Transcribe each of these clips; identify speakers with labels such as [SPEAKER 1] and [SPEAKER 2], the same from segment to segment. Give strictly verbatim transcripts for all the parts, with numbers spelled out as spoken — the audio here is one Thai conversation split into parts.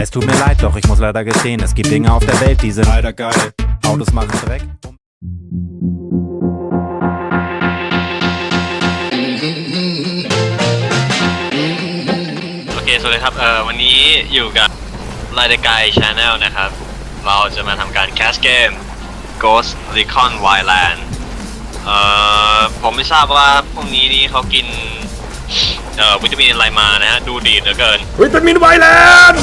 [SPEAKER 1] Es tut mir leid, doch ich muss leider gestehen, es gibt Dinge auf der Welt, die sind leider geil. Autos machen Dreck.
[SPEAKER 2] โอเคสวัสดีครับเอ่อวันนี้อยู่กับรายการ Channel นะครับเราจะมาทำการแคสเกม Ghost Recon Wildland เอ่อผมไม่ทราบว่าพวกนี้นี่เขากินเอ่อวิตามินอะไรมานะฮะดูดีเหลือเกิน
[SPEAKER 3] วิตามินไวแลนด์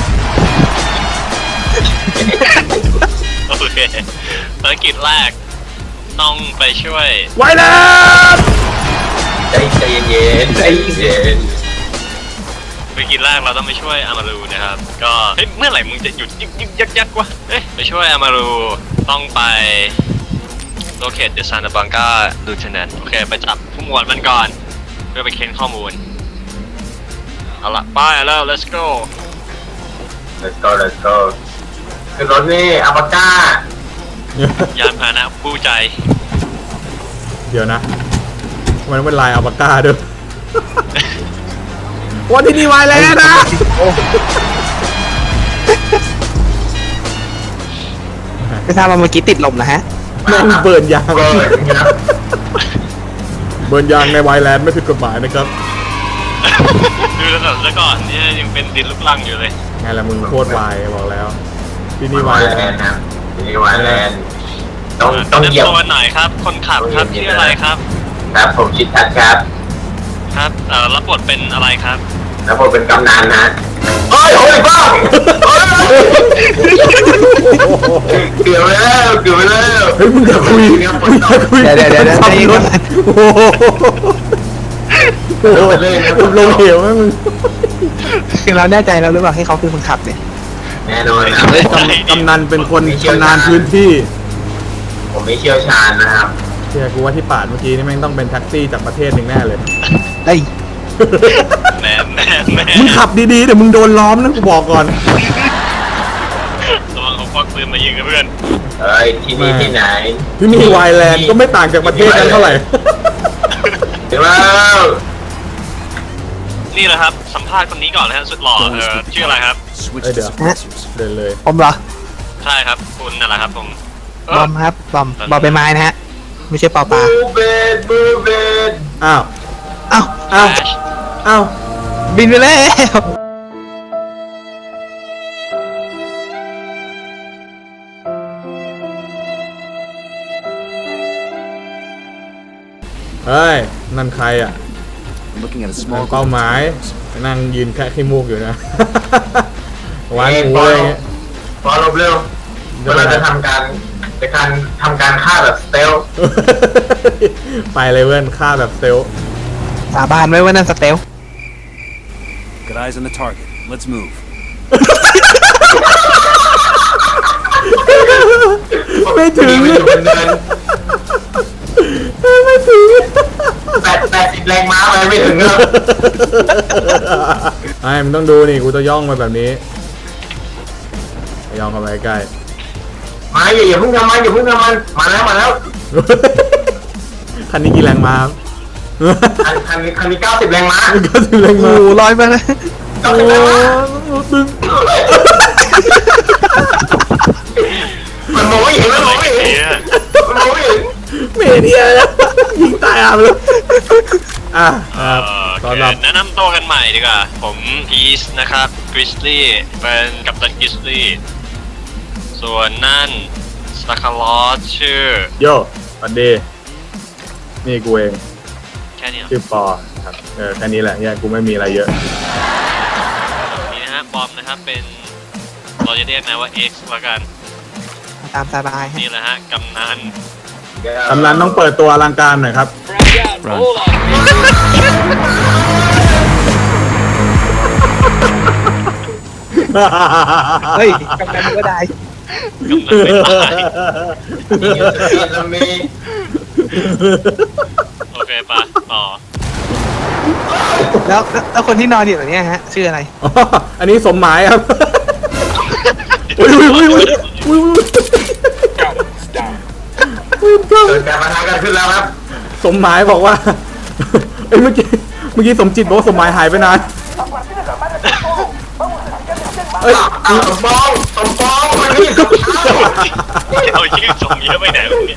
[SPEAKER 2] โอเคภารกิจแรกต้องไปช่วย
[SPEAKER 3] ไวแลนด์
[SPEAKER 4] ใจใจเย็นใจเย็น
[SPEAKER 2] ภารกิจแรกเราต้องไปช่วยอามารูนะครับก็เฮ้ยเมื่อไหร่มึงจะหยุดยึกยึกยักยักวะเฮ้ยไปช่วยอามารูต้องไปlocate the Santa Blanca Lieutenant โอเคไปจับผู้หมวดมันก่อนเพื่อไปเค้นข้อมูลเอาละไปแล้ว let's go
[SPEAKER 4] let's go let's go คือรถนี่อัลปาก้าย
[SPEAKER 2] านพาหนะคู่ใจ
[SPEAKER 3] เดี๋ยวนะมันเป็นลายอัลปาก้าด้วยวันที่นี่ไวแลนด์นะ
[SPEAKER 5] ไม่ทราบว่าเมื่อกี้ติดลมนะฮะ
[SPEAKER 3] นั่งเบิร์นยางเบิร์นยางในไวแลนด์ไม่ผิดกฎหมายนะครับ
[SPEAKER 2] ดูแล้วก่อนแล้วก่อนนี่ยังเป็นดินลูกลังอยู่เลย
[SPEAKER 3] ไงล่ะมึงโคตรไวบอกแล้วที่นี่ไวแลนด์
[SPEAKER 4] นะที่นี่ไวแลนด์ต้องต้องเหยียบ
[SPEAKER 2] ตัวหน่อยครับคนขับครับชื่ออะไรครับ
[SPEAKER 4] ครับผมชิดทัดครับ
[SPEAKER 2] ครับเอ่อรับบทเป็นอะไรครับ
[SPEAKER 4] แล้วผมเป็นกำนันนะเฮ้ยโอ้ยบ้าเกือบแล้วเกือบแล้ว
[SPEAKER 3] เฮ้ยมึงอย่าคุยมึงอย่าคุย
[SPEAKER 5] เดี๋ยวเดี๋ยวเดี๋ยวขับรถ
[SPEAKER 3] โอ้โหลงเหวไหมมึง
[SPEAKER 5] คือเราแน่ใจแล้วหรือเปล่าให้เขาเป็นคนขับเนี่ย
[SPEAKER 4] แน่นอนนะ
[SPEAKER 3] กำนันเป็นคนชำนาญพื้นที่
[SPEAKER 4] ผมไม่เชี่ยวชาญนะครับ
[SPEAKER 3] เชื่อกูว่าที่ปาดเมื่อกี้นี่แม่งต้องเป็นแท็กซี่จากประเทศหนึ่งแน่เลย
[SPEAKER 5] ไอ้
[SPEAKER 2] แน่แน่แน่
[SPEAKER 3] มึงขับดีๆเดี๋ยวมึงโดนล้อมนะกูบอกก่อน
[SPEAKER 2] ระวังเขาควักปืนมายิงนะเพื่อน
[SPEAKER 4] เฮ้ยที่นี่ที่ไหน
[SPEAKER 3] ที่นี่ไวแลนด์ก็ไม่ต่างจากประเทศนั้นเท่าไหร่
[SPEAKER 4] เดี๋ยวแล้ว
[SPEAKER 2] นี่แหละครับสัมภาษณ์คนนี้ก่อนนะฮะสุดหล่อเออชื่ออะไรครับ
[SPEAKER 3] เดี๋ยวเดินเลย
[SPEAKER 5] ผมเหรอ
[SPEAKER 2] ใช่ครับคุณนั่นแหละครับผม
[SPEAKER 5] บอมครับบอมบอมใบไม้นะฮะไม่ใช่ปอปลา
[SPEAKER 4] บูเบนบูเบน
[SPEAKER 3] อ้าว
[SPEAKER 5] อ้าว
[SPEAKER 3] อ้าวอ้าว
[SPEAKER 5] บินไปแล้ว
[SPEAKER 3] เฮ้ยนั่นใครอ่ะเป้าหมายนั่งยืนแค่ขี้มูกอยู่นะวางงูอะไรเงี้ย
[SPEAKER 4] พอลบเร็วเราจะทำการในการทำการฆ่าแบบสเตล
[SPEAKER 3] ไปเลยเว้นฆ่าแบบสเตล
[SPEAKER 5] สาบานไว้ว่านั่นสเตล
[SPEAKER 1] Got eyes on the target. Let's move.
[SPEAKER 3] ไม่ถึงไม่ถึง
[SPEAKER 4] แปดแปดสิบแรงม้าไปไม่ถึงครับ
[SPEAKER 3] ไอ้มึงต้องดูนี่กูจะย่องมาแบบนี้ย่องเข้าไปใกล้
[SPEAKER 4] มาอย่าอย่าเพิ่งทำมันอย่าเพิ่งทำมันมาแล้วมาแล้ว
[SPEAKER 3] คันนี้กี่แรงม้า
[SPEAKER 4] คันคันนี้คันนี้เก้าสิบแรงม้า
[SPEAKER 3] เก้าสิบแรงม้า
[SPEAKER 5] โอ้ลอยมาเลย
[SPEAKER 4] เก้าสิบแรงม้ามันมองไม่เห็นมันมองไม่เห็นมันมองไม่เห็น
[SPEAKER 3] เมเดียแล้วยิงตายอ่ะเลยอ่ะ
[SPEAKER 2] ตอนรับแนะนำตัวกันใหม่ดีกว่าผมพีซนะครับกริสลี่เป็นกัปตันกริสลี่ส่วนนั่นสตาร์คาร์ลอสชื่อ
[SPEAKER 3] โย่สวัสดีนี่กูเอง
[SPEAKER 2] แค่นี้
[SPEAKER 3] ชื่อปอครับเออแค่นี้แหละเนี่ยกูไม่มีอะไรเยอะ
[SPEAKER 2] นี่นะฮะบอมนะครับเป็นเราจะเรียกนะว่า X ละกัน
[SPEAKER 5] ตามสบาย
[SPEAKER 2] นี่แหละฮะกำนัน
[SPEAKER 3] กำนันต้องเปิดตัวอลังการหน่อยครับ
[SPEAKER 5] เฮ้ยกำนันก็ได้
[SPEAKER 2] กำนันไม่ตายโอเคปะต่อ
[SPEAKER 5] แล้วแล้วคนที่นอนอยู่ตรงนี้ฮะชื่ออะไร
[SPEAKER 3] อันนี้สมหมายครับอุ้ยอุ้ยอุ้ยอุ้ยอุ้ย
[SPEAKER 4] เกิดการมาทางกันขึ้นแล้วครับ
[SPEAKER 3] สมหมายบอกว่าเอ้ยเมื่อกี้เมื่อกี้สมจิตบอกว่าสมหมายหายไปนานเอ้ย
[SPEAKER 4] เอาสมปองสมปองมันนี่สมเท้า
[SPEAKER 2] เอาชื่อสมเยอะไปไหนวะเนี่ย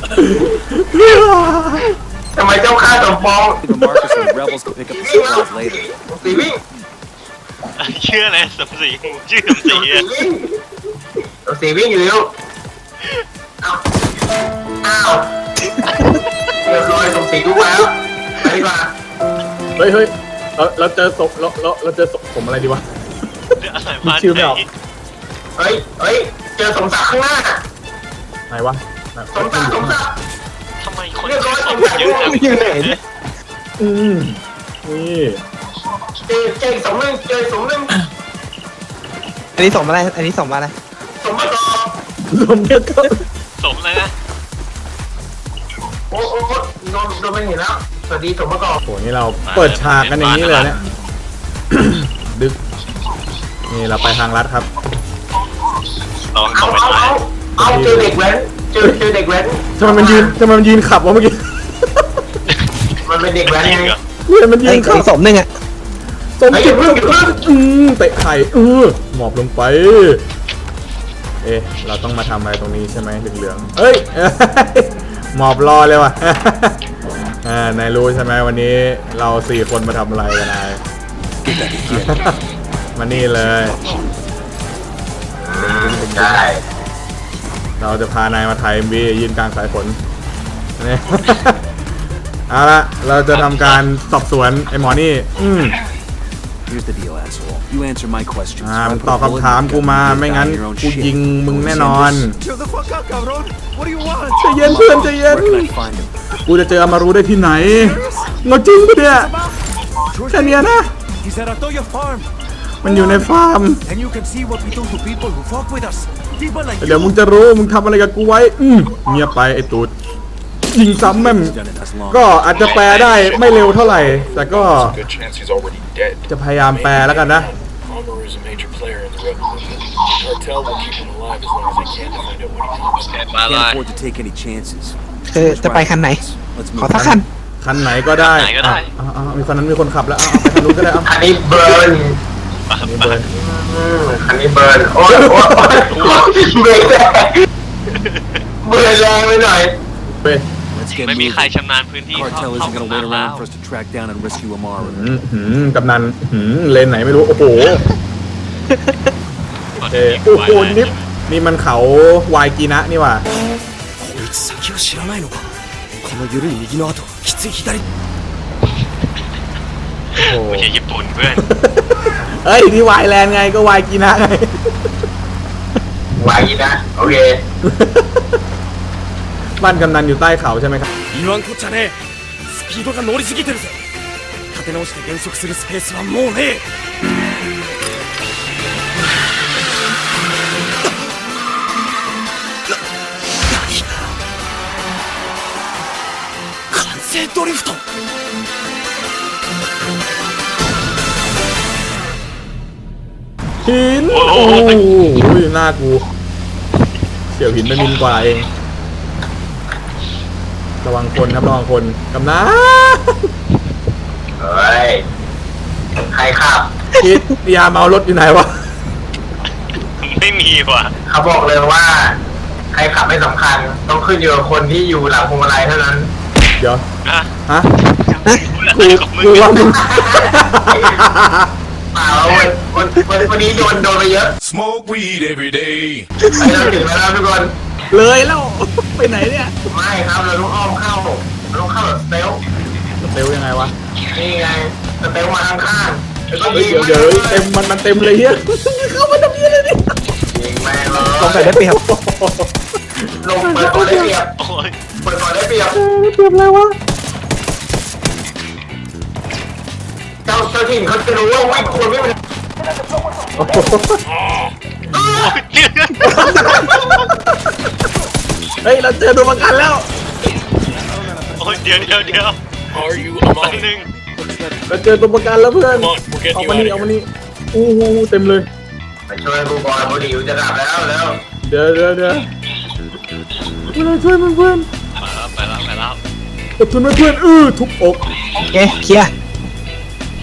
[SPEAKER 4] ทำไมเจ้าข้าสมปอง
[SPEAKER 6] The markers for the rebels to pick up the
[SPEAKER 4] วิ่งแล้ว
[SPEAKER 6] supplies later.
[SPEAKER 4] สีวิ่ง
[SPEAKER 2] ชื่ออะไรสมศรีชื่อสมศ
[SPEAKER 4] ส
[SPEAKER 2] รี
[SPEAKER 4] มสี
[SPEAKER 2] อะ
[SPEAKER 4] วิ่งสมสีวิ่งอยู่เร็วอ้าวอ้าวเรียบร้อยสมสีลุกแล้วไปดีกว่า
[SPEAKER 3] เฮ้ยเฮ้ยเราเราเจอศพเราเราเราเจอศพผมอะไรดีวะ
[SPEAKER 2] อะไร
[SPEAKER 3] มีชื่อไม่ออก
[SPEAKER 4] เฮ้ยเฮ้ยเจอสมศักดิ์ข้างหน้า
[SPEAKER 3] ไหนวะ
[SPEAKER 4] สมศักดิ์สมศักดิ์
[SPEAKER 2] ทำไมคนชื่อสมเยอะจัง
[SPEAKER 5] อยู่ไหนเนี่ย
[SPEAKER 3] อืมนี่
[SPEAKER 4] เจอเจออีกสมหนึ่งเจออีกสมหนึ่ง
[SPEAKER 5] อันนี้ส่งมาอะไรอันนี้ส่งมาอะไร
[SPEAKER 4] สมประกอบ
[SPEAKER 3] สมเด็จก็
[SPEAKER 2] สมอะไรนะ
[SPEAKER 4] โอ้โอ้โอ้โดนโดนไม่เห็นแล้วสวัสดีสมประกอบ
[SPEAKER 3] โหนี่เราเปิดฉากกันอย่างนี้เลยเนี่ย ดึกนี่เราไปทางลัดครับ
[SPEAKER 2] ลอง
[SPEAKER 4] เอา
[SPEAKER 2] ส่งไป
[SPEAKER 4] เอา
[SPEAKER 2] ไหน
[SPEAKER 4] เอาเอาเจอเด็กแว้นเจอเจอเด็กแว้น
[SPEAKER 3] ทำไมมันยืนทำไมมันยืนขับวะเมื่อกี้
[SPEAKER 4] มันเป็นเด็กแว้น
[SPEAKER 2] จริง
[SPEAKER 4] ไง
[SPEAKER 2] เหรอ
[SPEAKER 3] เนี่ยมันยื
[SPEAKER 5] ไอ้
[SPEAKER 3] นขับ
[SPEAKER 5] ไอ้สมหนึ่งอ่ะ
[SPEAKER 3] สมจิตอืมเตะไข่เออหมอบลงไป เอ๊ะเราต้องมาทำอะไรตรงนี้ใช่ไหมเหลืองๆเอ้ย หมอบรอเลยว่ะ อ่านายรู้ใช่ไหมวันนี้เราสี่คนมาทำอะไรกันนาย มานี่เลย
[SPEAKER 4] ใช่
[SPEAKER 3] เราจะพานายมาถ่ายเอ็มวียืนกลางสายฝนนี่ เอาละเราจะทำการสอบสวนไอ้หมอนี่ อืม
[SPEAKER 6] Here's the deal, asshole. You answer my questions.
[SPEAKER 3] อ่า
[SPEAKER 6] or I
[SPEAKER 3] มึง
[SPEAKER 6] put
[SPEAKER 3] ตอบ
[SPEAKER 6] a bullet
[SPEAKER 3] คำถาม
[SPEAKER 6] in
[SPEAKER 3] กู
[SPEAKER 6] your
[SPEAKER 3] มา
[SPEAKER 6] gut and
[SPEAKER 3] ไม่
[SPEAKER 6] you're
[SPEAKER 3] งั้น
[SPEAKER 6] down your own
[SPEAKER 3] กู
[SPEAKER 6] shit.
[SPEAKER 3] ยิงมึงแน่นอน
[SPEAKER 6] Chill the fuck out, cabrón. What do you want?
[SPEAKER 3] ใจเย็นเพื่อนใจเย็น
[SPEAKER 6] Where can I find him?
[SPEAKER 3] กูจะเจออามารู้ได้ที่ไหนเงาจริงปะเนี่ยแค่เนี้ยนะ
[SPEAKER 6] He's at Atoya Farm.
[SPEAKER 3] มันอยู่ในฟาร์ม
[SPEAKER 6] And you can see what we do to people who fuck with us. People like
[SPEAKER 3] เดี๋ยวมึงจะรู้มึงทำอะไรกับกูไว้ อืมเงียบไปไอ้ตูดยิงซ้ำแม่ง
[SPEAKER 6] done it as long.
[SPEAKER 3] ก็อาจจะแปลได้ไม่เร็วเท่าไหร่ แต่ก็
[SPEAKER 7] Good chance he's already dead.
[SPEAKER 3] จะพยายามแปลแล้วกันนะ
[SPEAKER 7] Amaru is a major player in the rebel movement. The cartel will keep him alive as long as they can to find out what he wants.
[SPEAKER 2] มาเล
[SPEAKER 6] Can't
[SPEAKER 2] ย
[SPEAKER 6] afford to take any chances.
[SPEAKER 5] เออจะไปคันไหน
[SPEAKER 6] Let's
[SPEAKER 5] ขอ
[SPEAKER 6] move.
[SPEAKER 5] สักคัน
[SPEAKER 3] คันไหนก็ได้
[SPEAKER 2] คันไหนก็ได้
[SPEAKER 3] อ่ะอ่ะอ่ะมีคันนั้นมีคนขับแล้วเอาเอาไปคันนู้นก็ได้เอา
[SPEAKER 4] คันนี้เบิร์น
[SPEAKER 3] นี่เบิร์น
[SPEAKER 4] อืมคันนี้เบิร์นโอ้ยโอ้ยโอ้ยโอ้ยเบรกแรงเบิร์นแรงไปหน่อย
[SPEAKER 3] เว้ย
[SPEAKER 6] Let's get
[SPEAKER 2] ไม่มี
[SPEAKER 6] moving.
[SPEAKER 2] ใครชำนาญพื้นที่
[SPEAKER 6] Cartel
[SPEAKER 2] เข้า
[SPEAKER 6] isn't
[SPEAKER 2] เข้า
[SPEAKER 6] gonna wait
[SPEAKER 2] มา
[SPEAKER 6] around for us to track down and rescue Amaru.
[SPEAKER 3] หืมหืมกำนันหืมเลนไหนไม่รู้ โอ้โหเออโอ้โหนี่นี่มันเขาวายกีนะนี่ว่ะ
[SPEAKER 6] こいつ先を知らないのか。この緩い右の後、きつい左。
[SPEAKER 3] โอ้โห
[SPEAKER 2] ไม่ใช่ญี่ปุ่นเพื่อน
[SPEAKER 3] เอ้ยนี่วายแลนด์ไงก็วายกีนะไง
[SPEAKER 4] ไหวนะโอเค
[SPEAKER 3] บ้านกำนันอยู่ใต้เขาใช่ไหมครับ
[SPEAKER 6] 言わんこっちゃねえ。スピードが乗りすぎてるぜ。立て直して減速するスペースはもうねえ。完成ドリフト。
[SPEAKER 3] หิน
[SPEAKER 2] โอ้
[SPEAKER 3] โอ้
[SPEAKER 2] โห
[SPEAKER 3] โหหน้ากูเสี่ยวหินไปมินกว่าเอง ระวังคนครับระวังคนกำนัน
[SPEAKER 4] เฮ้ยใครขับ
[SPEAKER 3] คิดยาเมารถอยู่ไหนวะ
[SPEAKER 2] ไม่มีว่ะ
[SPEAKER 4] เขาบอกเลยว่า ใครขับไม่สำคัญ ต้องขึ้นอยู่กับคนที่อยู่หลังพวงมาลัยเท่านั้น
[SPEAKER 3] เดี๋ยว
[SPEAKER 2] อ่ะ
[SPEAKER 3] ฮะ
[SPEAKER 2] พูดอะ
[SPEAKER 3] กู
[SPEAKER 2] ไรของมึง
[SPEAKER 3] กูว่ามึง
[SPEAKER 4] เปล่าวันวันวันวันนี้โดนโดนไปเยอะ
[SPEAKER 7] Smoke weed every day.
[SPEAKER 4] ไปเราถึงแล้วนะทุกคน
[SPEAKER 3] เลยแล้ว ไปไหนเนี่ย
[SPEAKER 4] ไม่ครับเราต้องอ้อมเข้าเราต้องเข้าแบบสเตล
[SPEAKER 3] เร็วยังไงวะ
[SPEAKER 4] นี่ไงสเตลมาข้างๆแล้วก็
[SPEAKER 3] เฮ้ย
[SPEAKER 4] ยิง
[SPEAKER 3] เดี๋ยวเดี๋ยวเต็มมันมันเต็มเลยเฮียเข้ามาทำเฮียเลยดิ
[SPEAKER 4] ยิงแม่งเลย
[SPEAKER 5] ลงไปได้เปรียบ
[SPEAKER 4] ลงเปิดก่อนได้เปรียบ
[SPEAKER 2] โอ้ย
[SPEAKER 4] เปิดก่อนได้เปรียบ
[SPEAKER 3] เต็มเลยวะ
[SPEAKER 4] เจ้าเจ้าถิ่นเขาจะรู้ว่าวิ่งคนไม่เป็น
[SPEAKER 3] โอ้โห
[SPEAKER 2] โอ้ยเดี๋ยว
[SPEAKER 3] เฮ้ยเราเจอตัวประกันแล้ว
[SPEAKER 2] โอ้ยเดี๋ยวเดี๋ยวเดี๋ยว
[SPEAKER 7] Are you
[SPEAKER 2] แป๊บ
[SPEAKER 7] Amaru?
[SPEAKER 2] นึง
[SPEAKER 3] เราเจอตัวประกันแล้วเพื่อน
[SPEAKER 7] Come on, we're
[SPEAKER 3] เอา
[SPEAKER 7] getting
[SPEAKER 3] มา
[SPEAKER 7] you
[SPEAKER 3] นี่
[SPEAKER 7] out
[SPEAKER 3] เอา
[SPEAKER 7] of
[SPEAKER 3] มา
[SPEAKER 7] here.
[SPEAKER 3] นี่โอ้โหเต็มเลย
[SPEAKER 4] ไปช่วยกูบอลบุหรี่จะดับแล้วแล้ว
[SPEAKER 3] เดี๋ยวเดี๋ยวเดี๋ยวเราช่วยมันเพื่อน
[SPEAKER 2] ไปแล้วไปแล้วไปแล้ว
[SPEAKER 3] อดทนไว้เพื่อนอื้อทุบอก
[SPEAKER 5] โอเคเคลียร์
[SPEAKER 2] โ